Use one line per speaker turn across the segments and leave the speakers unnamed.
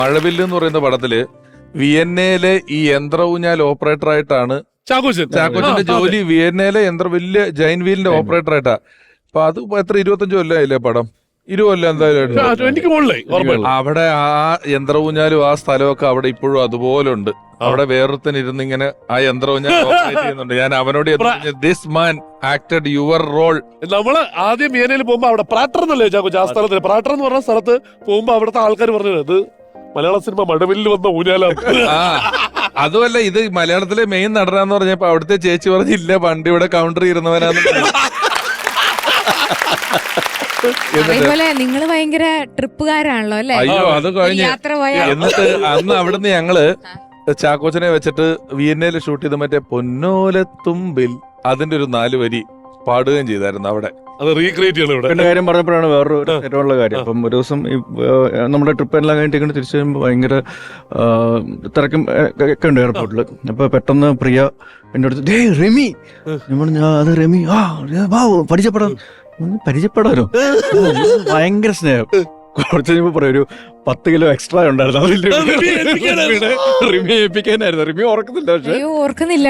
മഴവില്ല് എന്ന് പറയുന്ന പടത്തില് വിയന്നയിലെ ഈ യന്ത്ര ഊഞ്ഞാൽ ഓപ്പറേറ്റർ ആയിട്ടാണ് ചാക്കോച്ചന്റെ ജോലി. വിയന്നയിലെ വലിയ ജൈൻ വീലിന്റെ ഓപ്പറേറ്റർ ആയിട്ടാ. അപ്പൊ അത് എത്ര 25 കൊല്ലമായില്ലേ പടം? 20 കൊല്ലം എന്തായാലും. അവിടെ ആ യന്ത്ര ഊഞ്ഞാലും ആ സ്ഥലമൊക്കെ അവിടെ ഇപ്പോഴും അതുപോലെ ഉണ്ട്. അവിടെ വേറൊരുത്തൻ ഇരുന്നിങ്ങനെ ആ യന്ത്ര ഊഞ്ഞാൽ ഓപ്പറേറ്റ് ചെയ്യുന്നുണ്ട്. ഞാൻ അവനോട് this man acted your role.
നമ്മള് ആദ്യം വിയനയിൽ പോകുമ്പോ അവിടെ പ്രാട്ടർ എന്നല്ലേ ചാക്കോച്ച ആ സ്ഥലത്ത്? പ്രാട്ടർ എന്ന് പറഞ്ഞ സ്ഥലത്ത് പോകുമ്പോ അവിടുത്തെ ആൾക്കാർ പറഞ്ഞത് ഇത് മലയാള സിനിമ മഴവില്ലിൽ വന്ന ഊഞ്ഞാലാണ്.
അതുമല്ല, ഇത് മലയാളത്തിലെ മെയിൻ നടനാന്ന് പറഞ്ഞപ്പോ അവിടുത്തെ ചേച്ചി പറഞ്ഞില്ല പണ്ട് ഇവിടെ കൗണ്ടർ ഇരുന്നവനാന്ന്.
അതേപോലെ നിങ്ങള് ഭയങ്കര ട്രിപ്പുകാരാണല്ലോ അല്ലെ?
അയ്യോ, അത് കഴിഞ്ഞ് എന്നിട്ട് അന്ന് അവിടുന്ന് ഞങ്ങള് ചാക്കോച്ചനെ വെച്ചിട്ട് വിയന്നയിൽ ഷൂട്ട് ചെയ്ത് മറ്റേ പൊന്നോലത്തുമ്പിൽ അതിന്റെ ഒരു 4 വരി പാടുകയും ചെയ്തായിരുന്നു അവിടെ.
അത് റീക്രിയേറ്റ് ചെയ്യണം ഇവിടെ.
എന്റെ കാര്യം പറഞ്ഞപ്പോഴാണ് വേറൊരു ഏറ്റവുള്ള കാര്യം. അപ്പം ഒരു ദിവസം നമ്മുടെ ട്രിപ്പ് എല്ലാം കഴിഞ്ഞിട്ട് തിരിച്ചു വരുമ്പോൾ ഭയങ്കര തിരക്കും ഒക്കെ ഉണ്ട് എയർപോർട്ടിൽ. അപ്പൊ പെട്ടെന്ന് പ്രിയ എന്റെ അടുത്ത് റെമി, ഞാൻ അത് റെമി പരിചയപ്പെടാനോ ഭയങ്കര സ്നേഹം. കുറച്ച് കഴിയുമ്പോ പറയാം ഒരു 10 കിലോ എക്സ്ട്രാ ഉണ്ടായിരുന്നു. റിമി ഏൽപ്പിക്കാനായിരുന്നു. റിമി ഓർക്കുന്നില്ല. പക്ഷെ
ഓർക്കുന്നില്ല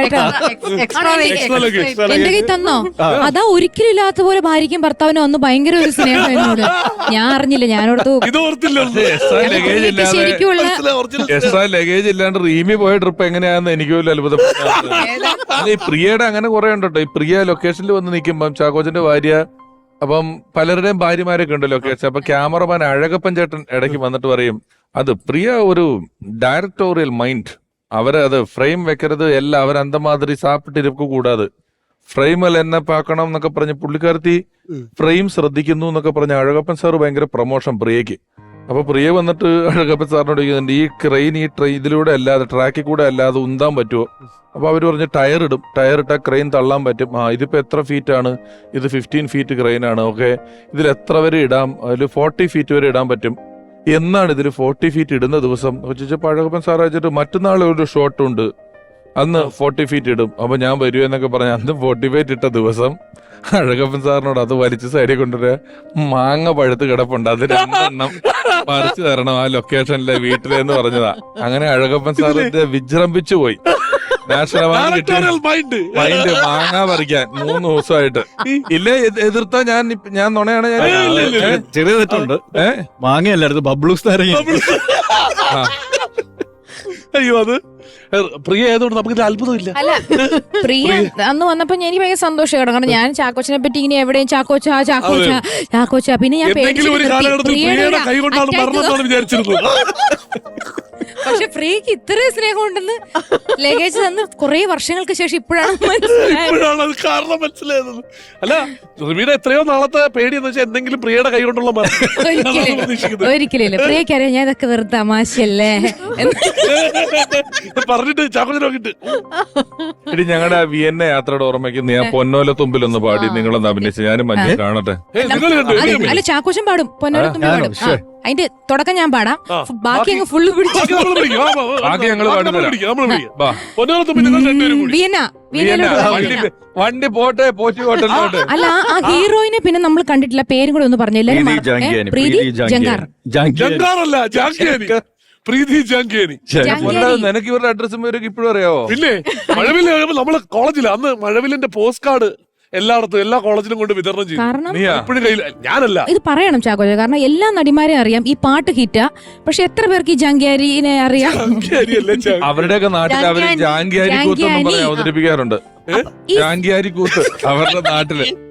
എന്റെ കൈ തന്നോ? അതാ ഒരിക്കലും ഇല്ലാത്ത പോലെ ഭാര്യയ്ക്കും ഭർത്താവിനും അന്ന് ഭയങ്കര ഒരു സ്നേഹം എന്നോട്. ഞാൻ അറിഞ്ഞില്ല, ഞാനോടത്ത് ശരിക്കുള്ള
എക്സ്ട്രാ ലഗേജ് ഇല്ലാണ്ട് റീമി പോയ ട്രിപ്പ് എങ്ങനെയാന്ന് എനിക്ക് പോലും അത്ഭുതപ്പെട്ടു. ഈ പ്രിയയുടെ അങ്ങനെ കുറെ ഉണ്ടോ. ഈ പ്രിയ ലൊക്കേഷനിൽ വന്ന് നിൽക്കുമ്പം ചാക്കോച്ചന്റെ ഭാര്യ, അപ്പം പലരുടെയും ഭാര്യമാരൊക്കെ ഉണ്ട് ലൊക്കേഷൻ. അപ്പൊ ക്യാമറമാൻ അഴകപ്പൻ ചേട്ടൻ ഇടയ്ക്ക് വന്നിട്ട് പറയും, അത് പ്രിയ ഒരു ഡയറക്ടോറിയൽ മൈൻഡ്, അവരത് ഫ്രെയിം വെക്കരുത്, എല്ലാം അവരന്തമാതിരി സാപ്പിട്ടിരിപ്പ് കൂടാതെ ഫ്രെയിമിൽ എന്നെ പാക്കണം എന്നൊക്കെ പറഞ്ഞ് പുള്ളിക്കാരത്തി ഫ്രെയിം ശ്രദ്ധിക്കുന്നു എന്നൊക്കെ പറഞ്ഞ അഴകപ്പൻ സാറ് ഭയങ്കര പ്രൊമോഷൻ പ്രിയക്ക്. അപ്പൊ പ്രിയ വന്നിട്ട് അഴകപ്പൻ സാറിനോട് ചോദിക്കുന്നുണ്ട്, ഈ ക്രെയിൻ ഈ ഇതിലൂടെ അല്ലാതെ ട്രാക്കിൽ കൂടെ അല്ലാതെ ഉന്താൻ പറ്റുമോ? അപ്പൊ അവര് പറഞ്ഞ് ടയർ ഇടും, ടയർ ഇട്ടാൽ ക്രെയിൻ തള്ളാൻ പറ്റും. ഇതിപ്പോ എത്ര ഫീറ്റ് ആണ്? ഇത് 15 ഫീറ്റ് ക്രെയിൻ ആണ്. ഓക്കെ, ഇതിൽ എത്ര വരെ ഇടാം? അതിൽ 40 ഫീറ്റ് വരെ ഇടാൻ പറ്റും എന്നാണ്. ഇതിൽ 40 ഫീറ്റ് ഇടുന്ന ദിവസം ചോദിച്ചപ്പോ അഴകപ്പൻ സാർ അയച്ചിട്ട് മറ്റന്നാൾ ഒരു ഷോട്ട് ഉണ്ട്, അന്ന് 40 ഫീറ്റ് ഇടും. അപ്പൊ ഞാൻ വരുമോ എന്നൊക്കെ പറഞ്ഞ അന്ന് 40 ഫീറ്റ് ഇട്ട ദിവസം അഴകപ്പൻ സാറിനോട് അത് വലിച്ച് സൈഡിൽ കൊണ്ടുവരാ, മാങ്ങ പഴുത്ത് കിടപ്പുണ്ട്, അത് 2 എണ്ണം പറിച്ചു തരണം ആ ലൊക്കേഷനിലെ വീട്ടിലെന്ന് പറഞ്ഞതാ. അങ്ങനെ അഴകപ്പൻ സാറിന്റെ വിജൃംഭിച്ചു പോയി. നാഷണൽ മൈൻഡ് മാങ്ങ പറിക്കാൻ 3 ദിവസമായിട്ട്. ഇല്ലേ എതിർത്താ ഞാൻ നുണയാണ്.
ചെറിയ തെറ്റുണ്ട്. മാങ്ങയല്ലായിരുന്നു, ബബ്ലൂസ് നാരങ്ങ.
അയ്യോ, അത് പ്രിയ ആയതുകൊണ്ട് നമുക്ക് അത്ഭുതമില്ല.
അല്ല, പ്രിയ അന്ന് വന്നപ്പോ എനിക്ക് ഭയങ്കര സന്തോഷമാണ്. കാരണം ഞാൻ ചാക്കോച്ചനെ പറ്റി ഇങ്ങനെ എവിടെയും ചാക്കോച്ച പിന്നെ ഞാൻ പക്ഷെ പ്രിയക്ക് ഇത്രയും സ്നേഹം ഉണ്ടെന്ന് ലഗേജ് തന്ന് കുറെ വർഷങ്ങൾക്ക് ശേഷം ഇപ്പോഴാണ്
കാരണം മനസ്സിലായത്. അല്ല, റിമിയുടെ എത്രയോ നാളത്തെ പേടി എന്ന് വെച്ചാൽ എന്തെങ്കിലും പ്രിയയുടെ കൈ കൊണ്ടുള്ള
ഒരിക്കലില്ല. പ്രിയക്കറിയാം ഞാൻ ഇതൊക്കെ വെറുതെ തമാശയല്ലേ
പറഞ്ഞിട്ട് ചാക്കോച്ചനെ നോക്കിട്ട്.
ഇനി ഞങ്ങളുടെ വിയന്ന യാത്രയുടെ ഓർമ്മയ്ക്ക് ഞാൻ പൊന്നോല തുമ്പിലൊന്ന് പാടി നിങ്ങളൊന്ന് അഭിനയിച്ച് ഞാനും മഞ്ഞ കാണട്ടെ.
അല്ല, ചാക്കോച്ചൻ പാടും, പൊന്നോല തുമ്പി പാടും. അതിന്റെ തുടക്കം ഞാൻ പാടാം, ബാക്കി അങ്ങ് ഫുള്ള്
വണ്ടി പോട്ടെ പോട്ടെ.
അല്ല, ആ ഹീറോയിനെ പിന്നെ നമ്മൾ കണ്ടിട്ടില്ല, പേരും കൂടെ ഒന്ന് പറഞ്ഞില്ല. പ്രീതി ജങ്കാർ.
പ്രീതി ജാങ്കിയാനി.
നിനക്ക് ഇവരുടെ അഡ്രസ്സും ഇവരൊക്കെ ഇപ്പോഴും അറിയാവോ?
പിന്നെ മഴവില് നമ്മള് കോളേജില് അന്ന് മഴവിലിന്റെ പോസ്റ്റ് കാർഡ് എല്ലായിടത്തും എല്ലാ കോളേജിലും കൊണ്ട് വിതരണം ചെയ്യും.
കാരണം
ഇപ്പോഴും കയ്യിൽ ഞാനല്ല.
ഇത് പറയണം ചാക്കോച്ച, കാരണം എല്ലാ നടിമാരെയും അറിയാം, ഈ പാട്ട് ഹിറ്റാ. പക്ഷെ എത്ര പേർക്ക് ഈ ജാങ്കിയാരിനെ അറിയാം?
അവരുടെയൊക്കെ നാട്ടിൽ അവര് ജാങ്കിയാരി കൂത്ത് അവതരിപ്പിക്കാറുണ്ട്. ജാങ്കിയാരി കൂത്ത് അവരുടെ നാട്ടില്